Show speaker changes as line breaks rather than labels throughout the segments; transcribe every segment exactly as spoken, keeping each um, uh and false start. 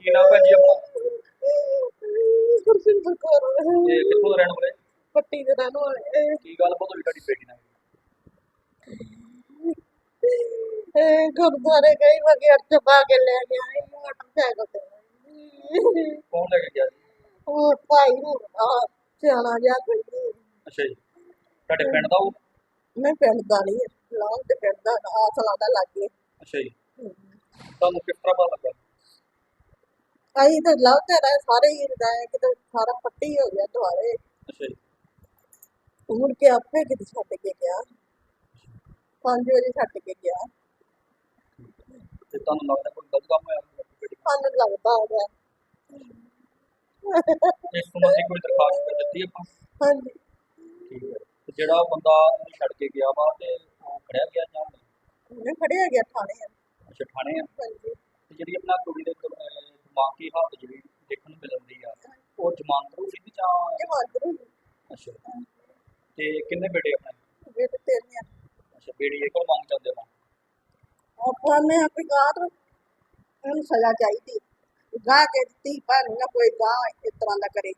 ਕੀ ਨਾਮ ਭੈਣ ਜੀ ਆਪਣਾ?
ਗੁਰਸਿੰਦਰ ਕੌਰ
ਤੇ ਕਿੱਥੋਂ ਦੇ ਰਹਿਣ ਵਾਲੇ?
ਪੱਟੀ ਦੇ ਰਹਿਣ ਵਾਲੇ।
ਕੀ ਗੱਲ ਬਹੁਤ ਹੋਈ ਤੁਹਾਡੀ ਬੇਟੀ ਨਾਲ?
ਇਹ ਗੁਰਦੁਆਰੇ ਗਈ ਵਗੈਰ ਚਬਾ ਕੇ ਲੈ ਗਿਆ ਇਹ ਮੋਟਰਸਾਈਕਲ ਤੇ।
ਕੌਣ ਲੈ ਕੇ ਗਿਆ ਜੀ?
ਉਹ ਭਾਈ ਨੂੰ ਆ ਸਿਆਣਾ ਜਿਹਾ ਕੋਈ।
ਅੱਛਾ ਜੀ, ਤੁਹਾਡੇ ਪਿੰਡ ਦਾ ਉਹ?
ਮੈਂ ਪਿੰਡ ਦਾ ਨਹੀਂ ਲਾਉਂ ਤੇ ਪਿੰਡ ਦਾ ਆਸਲਾ ਦਾ ਲੱਗੇ।
ਅੱਛਾ ਜੀ, ਤੁਹਾਨੂੰ ਕਿਸ ਤਰ੍ਹਾਂ ਪਤਾ ਲੱਗਾ?
ਅਸੀਂ ਤਾਂ ਲਵ ਤੇ ਰਹੇ ਸਾਰੇ ਹੀ ਰਹਿ ਕਿਤੇ ਸਾਰਾ ਪੱਟੀ ਹੋ ਗਿਆ ਦੁਆਰੇ।
ਅੱਛਾ ਜੀ,
ਮੁੜ ਕੇ ਆਪੇ ਕਿਤੇ ਛੱਡ ਕੇ ਗਿਆ, ਪੰਜ ਵਜੇ ਛੱਡ ਕੇ ਗਿਆ।
ਤੇ ਤੁਹਾਨੂੰ ਲੱਗਦਾ ਕੋਈ ਗਲਤ ਕੰਮ ਹੋਇਆ ਤੁਹਾਡੀ ਬੇਟੀ
ਸਾਨੂੰ ਲੱਗਦਾ ਹੋ ਗਿਆ।
ਨਾਲ? ਇਸ ਸੰਬੰਧੀ ਕੋਈ ਦਰਖਾਸਤ ਕਰ ਦਿੱਤੀ ਆਪਾਂ?
ਹਾਂਜੀ
ਠੀਕ ਹੈ, ਤੇ ਜਿਹੜਾ ਬੰਦਾ ਉਹਨੂੰ ਛੱਡ ਕੇ ਗਿਆ ਵਾ ਤੇ ਉਹ ਖੜਿਆ ਗਿਆ ਜਾਂ ਨਹੀਂ?
ਮੈਂ ਫੜਿਆ ਗਿਆ ਥਾਣੇ।
ਅੱਛਾ, ਥਾਣੇ ਆ।
ਹਾਂਜੀ
ਤੇ ਜਿਹੜੀ ਆਪਣਾ ਕੁੜੀ ਦੇ ਕ- ਅਹ ਦਿਮਾਗੀ ਹਾਲਤ ਜਿਹੜੀ ਦੇਖਣ ਨੂੰ ਮਿਲਦੀ ਆ, ਉਹ ਜ਼ਮਾਨਤ ਰੂ ਸੀ ਜਾਂ?
ਜਮਾਂਦਰੂ
ਅੱਛਾ, ਤੇ ਕਿੰਨੇ ਬੇਟੇ ਆਪਣੇ?
ਵੇਟ ਤੇਰੇ
ਅੱਛਾ, ਬੇੜੀ ਇਹ ਕੋਲ ਮੰਗ ਜਾਂਦੇ ਹੋ?
ਆਪਾਂ ਨੇ ਆਪਣੀ ਗਾਤ ਨੂੰ ਸਜ਼ਾ ਚਾਹੀਦੀ। ਗਾਹ ਕੇ ਦਿੱਤੀ ਪਰ ਨਾ ਕੋਈ ਗਾਹ ਇਸ ਤਰ੍ਹਾਂ ਦਾ ਕਰੇ।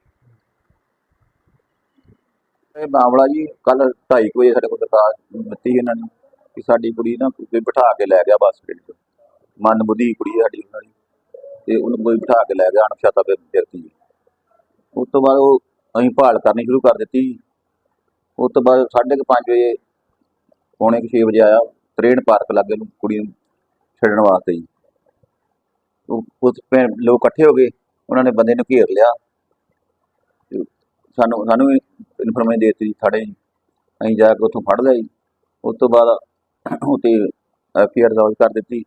ਇਹ ਮਾਮਲਾ ਜੀ ਕੱਲ ਢਾਈ ਕੁ ਵਜੇ ਸਾਡੇ ਕੋਲ ਦਰਖਾਸਤ ਦਿੱਤੀ ਇਹਨਾਂ ਨੇ ਕਿ ਸਾਡੀ ਕੁੜੀ ਨਾ ਕੋਈ ਬਿਠਾ ਕੇ ਲੈ ਗਿਆ ਬੱਸ ਸਟੈਂਡ 'ਚ। ਮੰਦਬੁੱਧੀ ਕੁੜੀ ਹੈ ਸਾਡੀ ਉਹਨਾਂ ਦੀ, ਤੇ ਉਹਨੂੰ ਕੋਈ ਬਿਠਾ ਕੇ ਲੈ ਗਿਆ ਅਣਪਛਾਤਾ ਵਿਅਕਤੀ ਜੀ। ਉਸ ਤੋਂ ਬਾਅਦ ਉਹ ਅਸੀਂ ਭਾਲ ਕਰਨੀ ਸ਼ੁਰੂ ਕਰ ਦਿੱਤੀ। ਉਸ ਤੋਂ ਬਾਅਦ ਸਾਢੇ ਕੁ ਪੰਜ ਵਜੇ ਪੌਣੇ ਕੁ ਛੇ ਵਜੇ ਆਇਆ ਤਰੇੜ ਪਾਰਕ ਲਾਗੇ ਨੂੰ ਕੁੜੀ ਨੂੰ ਛੱਡਣ ਵਾਸਤੇ ਜੀ। ਉਹ ਉਸ ਪਿੰ- ਲੋਕ ਇਕੱਠੇ ਹੋ ਗਏ, ਉਹਨਾਂ ਨੇ ਬੰਦੇ ਨੂੰ ਘੇਰ ਲਿਆ। ਤੇ ਸਾਨੂੰ ਸਾਨੂੰ ਇਨਫੋਰਮੇਸ਼ਨ ਦੇ ਦਿੱਤੀ ਥਾਣੇ ਜੀ। ਅਸੀਂ ਜਾ ਕੇ ਉੱਥੋਂ ਫੜ ਲਿਆ ਜੀ। ਉਸ ਤੋਂ ਬਾਅਦ ਉੱਤੇ ਐਫ ਆਈ ਆਰ ਦਰਜ ਕਰ ਦਿੱਤੀ।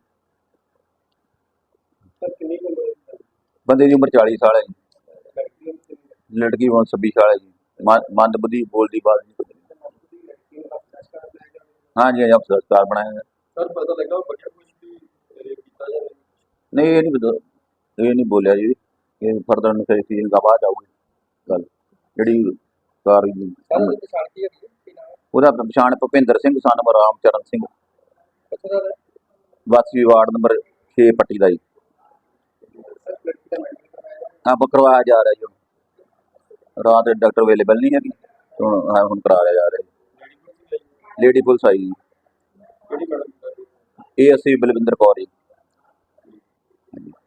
ਬੰਦੇ ਦੀ ਉਮਰ ਚਾਲੀ ਸਾਲ ਹੈ ਜੀ, ਲੜਕੀ ਉਮਰ ਛੱਬੀ ਸਾਲ ਹੈ ਜੀ। ਮੰ- ਮੰਦਬੁੱਧੀ ਬੋਲਦੀ ਬਾਤ ਨਹੀਂ ਕੁਝ। ਹਾਂਜੀ ਹਾਂਜੀ, ਅਫਸਰ ਸਟਾਰ ਬਣਾਇਆ ਹੈ।
ਸਰ ਪਤਾ ਲੱਗਾ ਉਹ ਬੱਚਾ ਕੁਝ ਵੀ ਕੀਤਾ ਜਾਂ ਨਹੀਂ?
ਨਹੀਂ ਇਹ ਨਹੀਂ ਬਤਾ ਇਹ ਨਹੀਂ ਬੋਲਿਆ ਜੀ। ਇਹ ਫਰਦਰ ਇਨਵੈਸਟੀਗੇਸ਼ਨ ਦਾ ਬਾਅਦ ਆਊਗੀ ਗੱਲ ਜਿਹੜੀ ਕਾਰ
ਸਰ ਉਹਦੀ ਪਛਾਣ ਕੀ ਹੈਗੀ ਹੈ? ਕੀ ਨਾਮ ਹੈ?
ਉਹਦਾ ਪਛਾਣ ਭੁਪਿੰਦਰ ਸਿੰਘ ਸਨ ਰਾਮ ਚਰਨ ਸਿੰਘ,
ਕਿੱਥੋਂ ਦਾ ਹੈ?
ਵਾਸੀ ਵਾਰਡ ਨੰਬਰ ਛੇ ਪੱਟੀ ਦਾ ਜੀ।
ਸਰ ਲੜਕੀ ਦਾ ਮੈਡੀਕਲ ਕਰਵਾਇਆ ਜਾਂ?
ਹਾਂ ਕਰਵਾਇਆ ਜਾ ਰਿਹਾ ਜੀ ਹੁਣ। ਰਾਤ ਦੇ ਡਾਕਟਰ ਅਵੇਲੇਬਲ ਨਹੀਂ ਹੈਗੀ, ਤੇ ਹੁਣ ਹਾਂ ਹੁਣ ਕਰਾਇਆ ਜਾ ਰਿਹਾ ਜੀ। ਲੇਡੀ ਪੁਲਿਸ ਆਈ ਜੀ,
ਕਿਹੜੀ ਮੈਡਮ ਦਾ?
ਇਹ ਅਸੀਂ ਬਲਵਿੰਦਰ ਕੌਰ ਜੀ।